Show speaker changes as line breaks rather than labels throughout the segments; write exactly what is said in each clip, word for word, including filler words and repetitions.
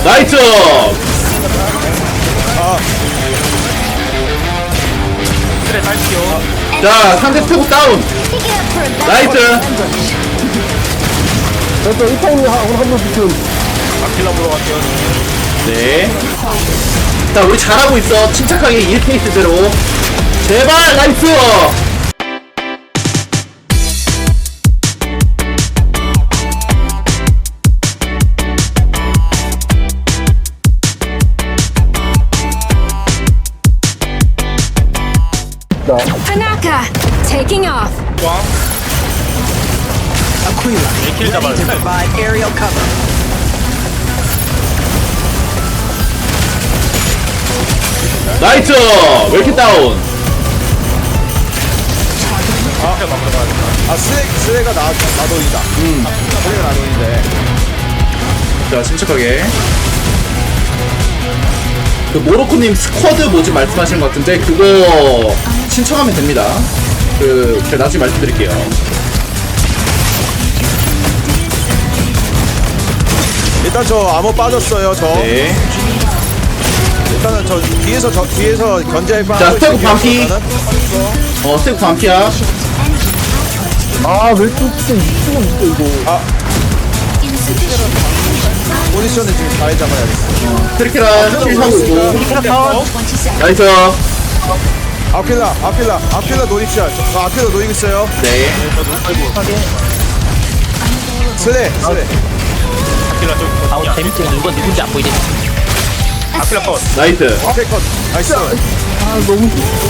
나이스.
아,
그래 갈게요.
자, 상대 스태프 다운. 나이스.
그래서 이 타임이 한번 붙은.
아킬라 보러 갈게요.
네. 자, 우리 잘하고 있어. 침착하게 일 페이스대로. 제발, 나이스.
Tanaka, taking off.
꽝.
Aquila,
킬 잡아야
ready to
돼.
provide aerial cover.
나이스. 왜 이렇게 다운?
아, 그래 막으러 가야겠다.
아, 스레, 스레가 나, 나도이다. 음. 스레가 나도인데.
자, 침착하게. 그 모로코님 스쿼드 뭐지 말씀하시는 것 같은데 그거 신청하면 됩니다. 그 제가 나중에 말씀드릴게요.
일단 저 암호 빠졌어요, 저.
네.
일단은 저 뒤에서, 저 뒤에서 견제할 바.
자, 스태프 반피. 어, 스테이크 반피야.
아, 왜 또 진짜 이거 이거 이거.
포지션을 지금 잘 잡아야겠어.
트리케라 킬 하고 있고. 나이스.
아킬라, 아킬라, 아킬라 노립시야. 저, 저 아킬라 노리고 있어요.
네.
스레, 스레.
아킬라 좀.
아우 재밌지. 이건 누군지 안 보이지?
아킬라 컷.
나이스.
오케이, 컷. 나이스.
아, 너무.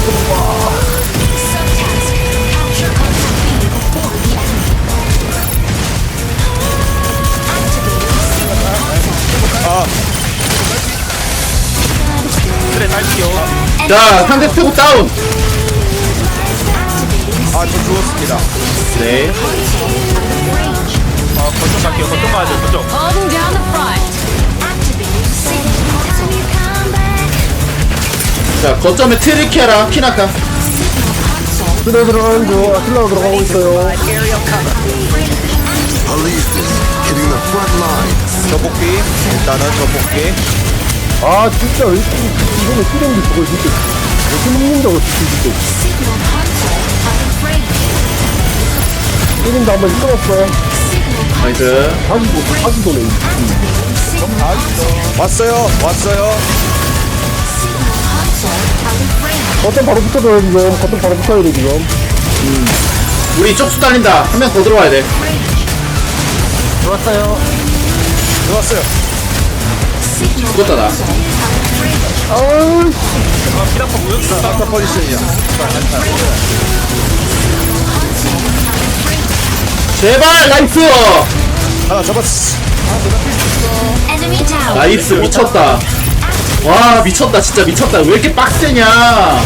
아,
그래 갈게요.
자, 상대 스테이크 다운.
아, 저 죽었습니다.
네.
아, 거점 갈게요. 거점 가야 돼. 거점.
Holding down the front.
자, 거점에 트리케라 키나카.
그래 들어가는 거. 아틀라가 들어가고 있어요.
Aerial cover.
저 복귀. 일단은 저 복귀.
아, 진짜 왜 이렇게 이거는 쓰레기 저걸 진짜. 왜 이렇게 먹는다고 진짜. 쓰레기도 한번 끊었어.
나이스.
다시 도 다시 도네.
왔어요, 왔어요.
버튼 바로 붙어줘요 지금. 버튼 바로 붙어야 돼 지금.
우리 쪽수 달린다. 한 명 더 들어와야 돼.
들어왔어요.
들어왔어요.
죽었다 나.
아우.
아, 피라파 무역사.
아타 포지션이야.
제발 나이스.
하나 잡았어.
Enemy down.
나이스 미쳤다. 와 미쳤다 진짜 미쳤다. 왜 이렇게 빡세냐.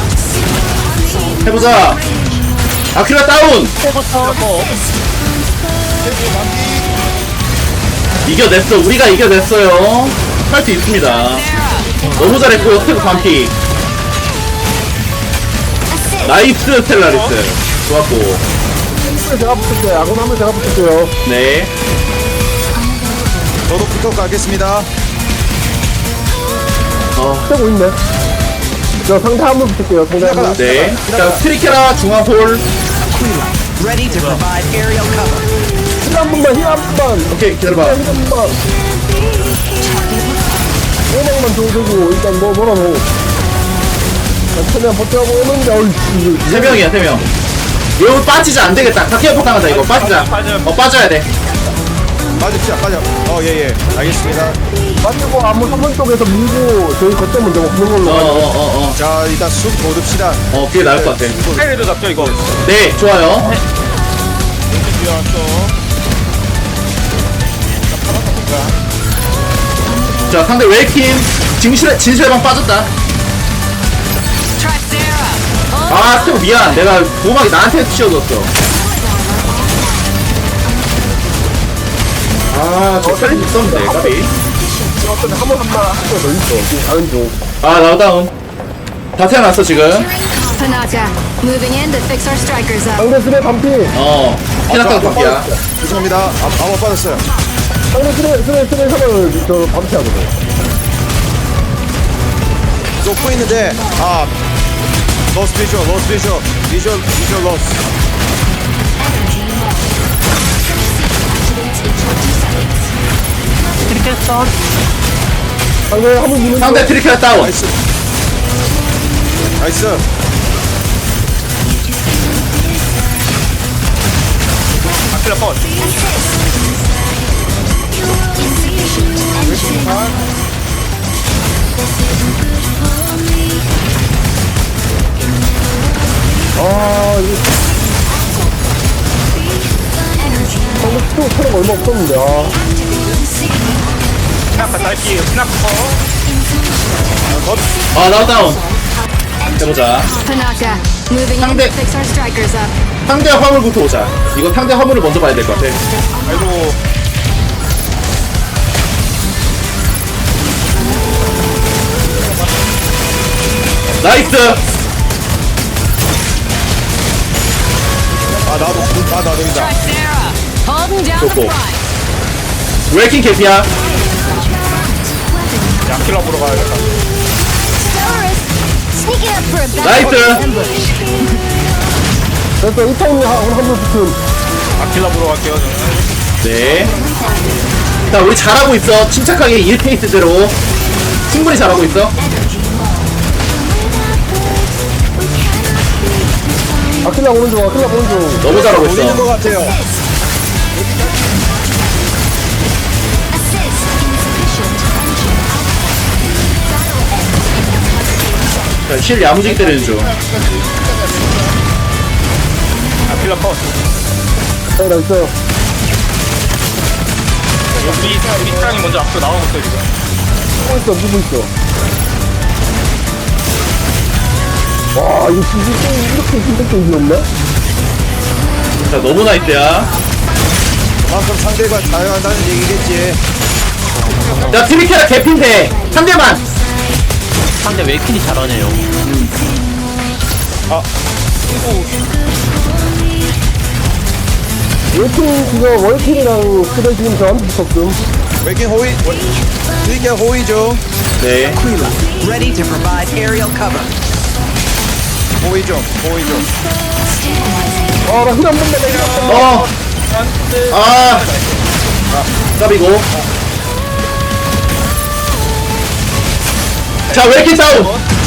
해보자. 아킬라 다운. 이겨냈어. 우리가 이겨냈어요. 할 수 있습니다. 너무 잘했고요. 스테프 반피. 나이스 스텔라리스. 좋았고.
제가 붙을게요. 야구 하면 제가 붙을게요.
네.
저도 붙어 가겠습니다.
어,
떼고 있네. 저 상대 한 번 붙을게요. 상대 한 번.
네. 자 트리케라 중앙홀.
Aquila, ready to provide aerial cover.
힐한 번만 힐한 번만.
오케이 기다려봐.
힐한 번만. 오명만 줘주고 일단 뭐 뭐라고. 자, 최대한 버텨보고 오는데 어이.
세 명이야 세 명. 이거 빠지자 안 되겠다. 각계포 당하다 이거 빠지자. 어 빠져야 돼.
빠집시다, 빠져. 어, 예, 예. 알겠습니다.
맞고 안무 삼번 쪽에서 밀고 저희 거점 먼저 먹는 걸로.
어어어 어, 어.
자, 일단 숲 걷읍시다.
어, 그게 나을 것 같아.
타이레도 잡죠 이거.
네, 좋아요. 자, 상대 웨이킴 진실의 진실의 방 빠졌다. 아, 스테고 미안. 내가 보호막이 나한테 씌워줬어. 아, 저 살릴 수 있었는데, 까비.
어떤 한번 한번 한번 더 있어. 다른 쪽.
아, 나 다운. 다 태어났어, 지금.
Panaka, moving in to fix our strikers up.
상대 스레 반피.
어. 피나카도 바퀴야.
죄송합니다. 아, 아무 빠졌어요.
상대 트레, 트레, 트레 사을 저 방치하거든.
놓고 있는데, 아, lost visual, lost visual, visual, visual loss.
상대 한번 미는
상대 트리케라 다운.
나이스. 나이스.
아킬라 컷.
아, 이거. 상대 스토어 체력 얼마 없었는데, 아.
피나카 딸피에요. 피나카 컷.
아, 나 다운. 해보자.
Panaka, moving in
상대-
to fix our strikers up.
상대 화물부터 오자. 이거 상대 화물을 먼저 봐야 될 것 같아.
아이고.
나이스.
아, 나도, 아, 나도 된다.
Sarah, holding down the
Cool.
front.
웨이킹 개피야.
아킬라 보러 가야겠다.
Stellaris, sneaking up for a battle
나이스.
ambush.
됐어, 이 타임에 한번 붙은.
아킬라 보러 갈게요, 저는.
네. 자, 우리 잘하고 있어. 침착하게 일 페이스대로. 충분히 잘하고 있어.
아킬라 오른쪽, 아킬라 오른쪽.
너무 잘하고
돌리는 것
있어.
같아요.
Assist insufficient engine.
자, 실 야무지게 때리는 중.
아킬라 컷.
네, 나이스.
우리, 우리 사랑이 먼저 앞으로 나오고 있어, 지금.
누구 있어, 누구 있어. 와, 이거 진짜 게임 이렇게 힘든 게임이었네?
자, 너무 나이스야.
그만큼 상대가 잘한다는 얘기겠지.
자, 트리케라 개핀데. 상대만.
상대 웨이킨이 잘하네요.
월킹, 지금 월킹이랑 스레 지금 저한테 붙었음.
웨킹 호위, 드리게 호위 중.
네.
Aquila, ready to provide aerial cover.
호위 중, 호위 중.
아, 나 힐 한 번만 내가.
어. 아. 깝이고. 자, 웨이킹 다운.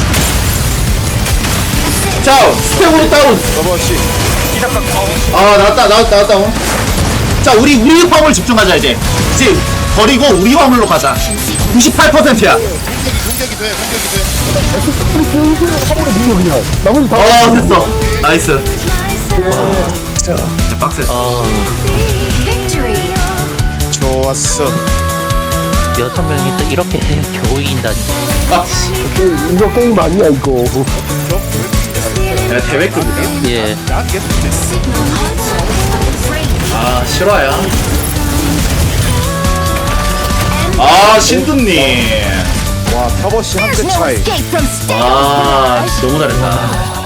자, 스텝으로 다운.
러버씨.
피나카 컷.
아, 나왔다, 나왔다, 나왔다. 자, 우리, 우리 화물 집중하자, 이제. 이제, 버리고 우리 화물로 가자. 구십팔 퍼센트야.
화물에 밀려, 그냥. 나머지 다.
어, 됐어. 나이스. 진짜 빡세.
Victory.
좋았어.
여섯 명이서 이렇게 겨우 이긴다니.
아,
이거 게임 아니야, 이거.
야, 대회급이다.
예.
아, 실화야. 아, 신두님.
와, 터버씨 한 대
There's no
차이.
escape from Stellaris.
아, 너무 잘했다.